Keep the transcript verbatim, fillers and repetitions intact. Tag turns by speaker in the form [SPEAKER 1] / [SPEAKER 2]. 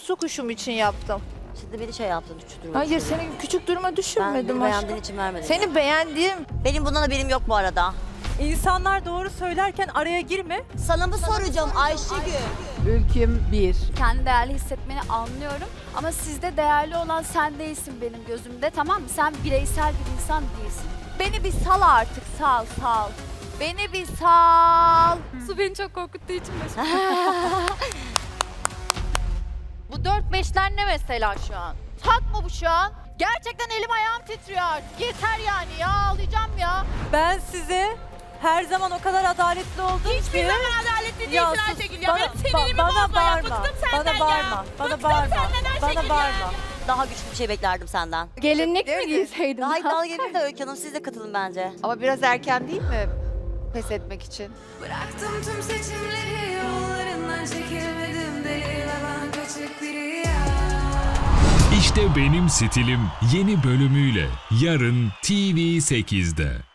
[SPEAKER 1] su kuşum için yaptım.
[SPEAKER 2] Şimdi beni şey yaptın, küçük duruma
[SPEAKER 1] Hayır,
[SPEAKER 2] düşürdün.
[SPEAKER 1] seni küçük duruma
[SPEAKER 2] Ben
[SPEAKER 1] düşürmedim
[SPEAKER 2] beni beğendiğin
[SPEAKER 1] aşkım.
[SPEAKER 2] için vermedim.
[SPEAKER 1] Seni beğendiğim.
[SPEAKER 2] Benim bundan haberim yok bu arada.
[SPEAKER 3] İnsanlar doğru söylerken araya girme.
[SPEAKER 2] Sana mı soracağım Ayşegül?
[SPEAKER 4] Ülküm bir.
[SPEAKER 5] Kendi değerli hissetmeni anlıyorum ama sizde değerli olan sen değilsin benim gözümde, tamam mı? Sen bireysel bir insan değilsin. Beni bir sal artık, sal sal. Beni bir sal. Su beni çok korkuttuğu için başım.
[SPEAKER 1] Bu dört beşler ne mesela şu an? Tak mı bu şu an? Gerçekten elim ayağım titriyor artık. Yeter yani ya, ağlayacağım ya.
[SPEAKER 3] Ben size her zaman o kadar adaletli oldum
[SPEAKER 6] Hiçbir
[SPEAKER 3] ki.
[SPEAKER 6] zaman adaletli değilsin
[SPEAKER 3] Ya sus,
[SPEAKER 6] Ayşegül ya.
[SPEAKER 3] bana-
[SPEAKER 6] Benim sinirimi
[SPEAKER 3] ba- bana
[SPEAKER 6] bozma ya.
[SPEAKER 3] bağırma,
[SPEAKER 6] Bıktım senden
[SPEAKER 3] bana
[SPEAKER 6] ya.
[SPEAKER 3] bağırma, bana
[SPEAKER 6] Bıktım
[SPEAKER 3] bağırma,
[SPEAKER 6] senden Ayşegül
[SPEAKER 3] bana
[SPEAKER 6] ya.
[SPEAKER 3] bağırma.
[SPEAKER 2] Daha güçlü bir şey beklerdim senden.
[SPEAKER 5] Gelinlik mi giyseydim?
[SPEAKER 2] Daha iddialı gelin de Öykü Hanım, siz de katılın bence.
[SPEAKER 4] Ama biraz erken değil mi pes etmek için?
[SPEAKER 7] Bıraktım tüm seçimleri, yollarından çekilmedim deli ve ben kaçık biri ya.
[SPEAKER 8] İşte Benim Stilim yeni bölümüyle yarın T V sekizde.